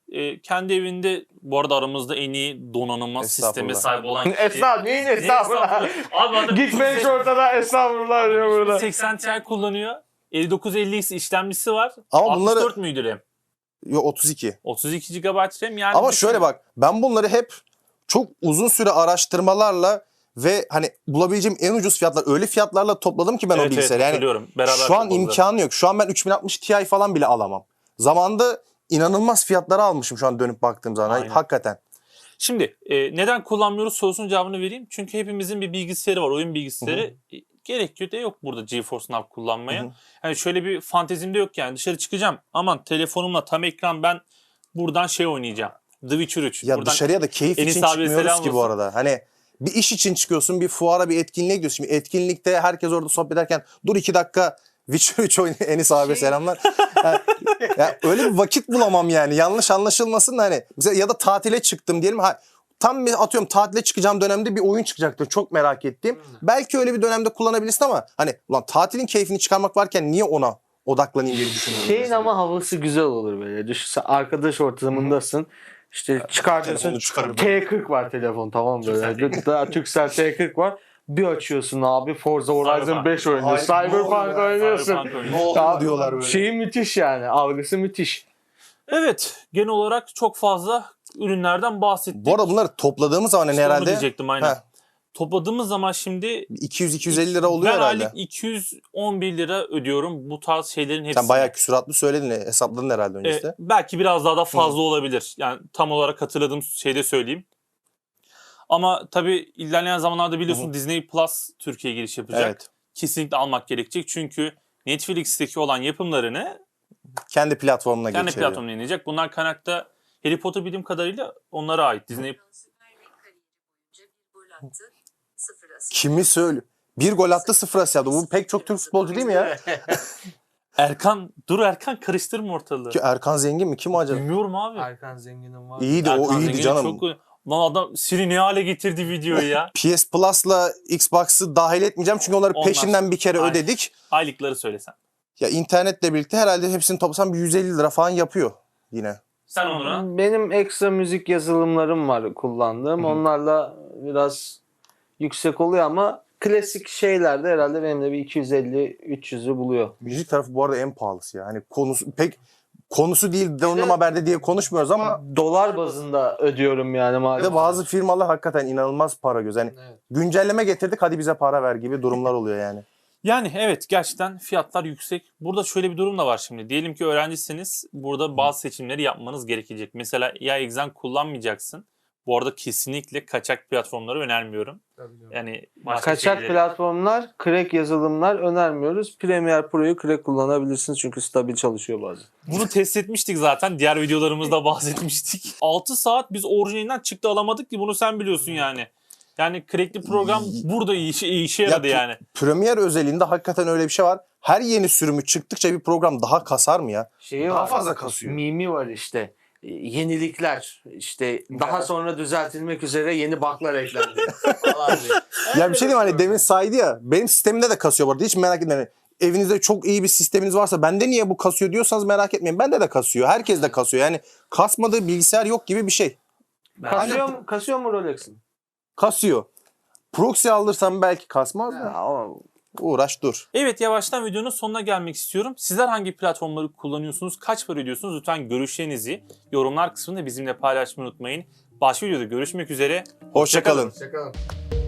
Speaker 1: e, kendi evinde bu arada aramızda en iyi donanıma sisteme
Speaker 2: Estağfurullah.
Speaker 1: sahip olan kişi.
Speaker 3: Estağfurullah. Neyin estağfurullah?
Speaker 1: Abi adam
Speaker 3: Gitmeyin şu ortada estağfurullah diyor burada.
Speaker 1: seksen Ti kullanıyor. elli dokuz elli X işlemcisi var.
Speaker 2: Ama bunları-
Speaker 1: altmış dört müydü RAM?
Speaker 2: Yo, otuz iki.
Speaker 1: otuz iki gigabayt RAM yani.
Speaker 2: Ama
Speaker 1: düşün-
Speaker 2: şöyle bak, ben bunları hep çok uzun süre araştırmalarla ve hani bulabileceğim en ucuz fiyatlar, öyle fiyatlarla topladım ki ben
Speaker 1: Evet,
Speaker 2: o bilgisayarı.
Speaker 1: evet,
Speaker 2: Yani
Speaker 1: hatırlıyorum. Beraber
Speaker 2: şu an
Speaker 1: topladık.
Speaker 2: imkanı yok. Şu an ben üç bin altmış Ti falan bile alamam. Zamanında inanılmaz fiyatlara almışım şu an dönüp baktığım zaman.
Speaker 1: Aynen.
Speaker 2: Hakikaten.
Speaker 1: Şimdi e, neden kullanmıyoruz sorusunun cevabını vereyim. Çünkü hepimizin bir bilgisayarı var, oyun bilgisayarı. E, Gerekiyor da yok burada GeForce Now kullanmaya.
Speaker 2: Hı hı.
Speaker 1: Yani şöyle bir fantezim de yok yani. Dışarı çıkacağım. Aman telefonumla tam ekran ben buradan şey oynayacağım. The Witcher üç.
Speaker 2: Ya
Speaker 1: buradan
Speaker 2: dışarıya da keyif
Speaker 1: Enis
Speaker 2: için
Speaker 1: abiye
Speaker 2: çıkmıyoruz
Speaker 1: selam
Speaker 2: ki bu
Speaker 1: olsun.
Speaker 2: arada. Hani bir iş için çıkıyorsun, bir fuara, bir etkinliğe gidiyorsun. Şimdi etkinlikte herkes orada sohbet ederken dur iki dakika Witcher üç oynuyor. Enis abi selamlar. Yani, ya öyle bir vakit bulamam yani. Yanlış anlaşılmasın da hani. Mesela ya da tatile çıktım diyelim. Ha, tam bir atıyorum tatile çıkacağım dönemde bir oyun çıkacaktır. Çok merak ettiğim. Belki öyle bir dönemde kullanabilirsin ama hani ulan tatilin keyfini çıkarmak varken niye ona odaklanayım diye düşünüyorum.
Speaker 3: Şeyin ama havası güzel olur böyle. Düşünsene arkadaş ortamındasın. İşte çıkartıyorsun.
Speaker 2: Telefonu çıkarıp-
Speaker 3: T kırk var telefon tamam böyle. Daha Turkcell T kırk var. Bir açıyorsun abi Forza Horizon
Speaker 1: Cyberpunk.
Speaker 3: beş oynuyorsun.
Speaker 2: Ay, ne
Speaker 3: Cyberpunk
Speaker 2: oluyor ya?
Speaker 3: oynuyorsun.
Speaker 1: Cyberpunk oynuyor.
Speaker 2: Ne oldu
Speaker 3: Daha-
Speaker 2: diyorlar böyle.
Speaker 3: Şeyi müthiş yani. Algısı müthiş.
Speaker 1: Evet, genel olarak çok fazla ürünlerden bahsettik.
Speaker 2: Bu arada bunları topladığımız zaman hani
Speaker 1: İşte onu
Speaker 2: herhalde
Speaker 1: diyecektim aynen.
Speaker 2: Heh.
Speaker 1: Topladığımız zaman şimdi
Speaker 2: iki yüz iki yüz elli lira oluyor
Speaker 1: ben
Speaker 2: herhalde.
Speaker 1: aylık iki yüz on bir lira ödüyorum bu tarz şeylerin hepsine.
Speaker 2: Sen bayağı küsuratlı söyledin. Hesapladın herhalde
Speaker 1: Ee,
Speaker 2: öncesinde.
Speaker 1: belki biraz daha da fazla olabilir. Yani tam olarak hatırladığım şeyde söyleyeyim. Ama tabii ilerleyen zamanlarda biliyorsun
Speaker 2: Hı hı.
Speaker 1: Disney Plus Türkiye'ye giriş yapacak.
Speaker 2: Evet.
Speaker 1: Kesinlikle almak gerekecek. Çünkü Netflix'teki olan yapımlarını
Speaker 2: Kendi platformuna
Speaker 1: kendi
Speaker 2: geçiriyor.
Speaker 1: platformuna inecek. Bunlar kaynakta Harry Potter bildiğim kadarıyla onlara ait. Disney
Speaker 2: Kimi söyle? Bir gol attı sıfır asist yaptı. Bu pek çok Türk futbolcu değil mi ya?
Speaker 1: Erkan, dur Erkan karıştırma ortalığı.
Speaker 2: Ki Erkan Zengin mi? Kim o acaba?
Speaker 1: Bilmiyorum abi.
Speaker 3: Erkan Zengin'in var.
Speaker 2: İyiydi o
Speaker 1: Erkan
Speaker 2: iyiydi
Speaker 1: Zengin'i
Speaker 2: canım.
Speaker 1: Çok... Lan adam Siri ne hale getirdi videoyu ya.
Speaker 2: P S Plus'la Xbox'ı dahil etmeyeceğim çünkü onları
Speaker 1: Onlar-
Speaker 2: peşinden bir kere
Speaker 1: Aynen.
Speaker 2: ödedik.
Speaker 1: Aylıkları söylesen.
Speaker 2: Ya internetle birlikte herhalde hepsini toplasam bir yüz elli lira falan yapıyor yine.
Speaker 1: Sen Onur'a.
Speaker 3: Benim ekstra müzik yazılımlarım var kullandığım.
Speaker 2: Hı hı.
Speaker 3: Onlarla biraz yüksek oluyor ama klasik şeylerde herhalde benim de bir iki yüz elli üç yüzü buluyor.
Speaker 2: Müzik tarafı bu arada en pahalısı ya. Hani konusu pek konusu değil donanım haberde diye konuşmuyoruz ama
Speaker 3: Dolar bazında ödüyorum yani
Speaker 2: bir
Speaker 3: maalesef.
Speaker 2: de bazı firmalar hakikaten inanılmaz para göz. Hani
Speaker 3: Evet.
Speaker 2: güncelleme getirdik hadi bize para ver gibi durumlar oluyor yani.
Speaker 1: Yani evet gerçekten fiyatlar yüksek. Burada şöyle bir durum da var şimdi. Diyelim ki öğrencisiniz. Burada bazı seçimleri yapmanız gerekecek. Mesela ya exam kullanmayacaksın. Bu arada kesinlikle kaçak platformları önermiyorum. Yani başka
Speaker 3: Kaçak
Speaker 1: şeyleri-
Speaker 3: platformlar, crack yazılımlar önermiyoruz. Premiere Pro'yu crack kullanabilirsiniz çünkü stabil çalışıyor bazen.
Speaker 1: Bunu test etmiştik zaten. Diğer videolarımızda bahsetmiştik. altı saat biz orijinalinden çıktı alamadık ki bunu sen biliyorsun yani. Yani crackli program burada iyi işe, iyi işe yaradı
Speaker 2: Ya,
Speaker 1: yani.
Speaker 2: Premiere özelinde hakikaten öyle bir şey var. Her yeni sürümü çıktıkça bir program daha kasar mı ya?
Speaker 3: Şeyi
Speaker 2: Daha
Speaker 3: var.
Speaker 2: fazla kasıyor.
Speaker 3: Mimi var işte. E, Yenilikler işte daha sonra düzeltilmek üzere yeni bug'lar eklendi falan diye.
Speaker 2: Ya bir şey diyeyim hani demin saydı ya. Benim sistemimde de kasıyor bu arada. Hiç merak etmeyin. Hani evinizde çok iyi bir sisteminiz varsa bende niye bu kasıyor diyorsanız merak etmeyin. Bende de kasıyor. Herkes de kasıyor. Yani kasmadığı bilgisayar yok gibi bir şey.
Speaker 3: Kasıyor mu, kasıyor mu Rolex'in?
Speaker 2: Kasıyor. Proxy alırsam belki kasmaz da.
Speaker 3: Ya, o-
Speaker 2: Uğraş dur.
Speaker 1: Evet yavaştan videonun sonuna gelmek istiyorum. Sizler hangi platformları kullanıyorsunuz? Kaç para ödüyorsunuz? Lütfen görüşlerinizi yorumlar kısmında bizimle paylaşmayı unutmayın. Başka videoda görüşmek üzere.
Speaker 2: Hoşça kalın.
Speaker 3: Hoşçakalın.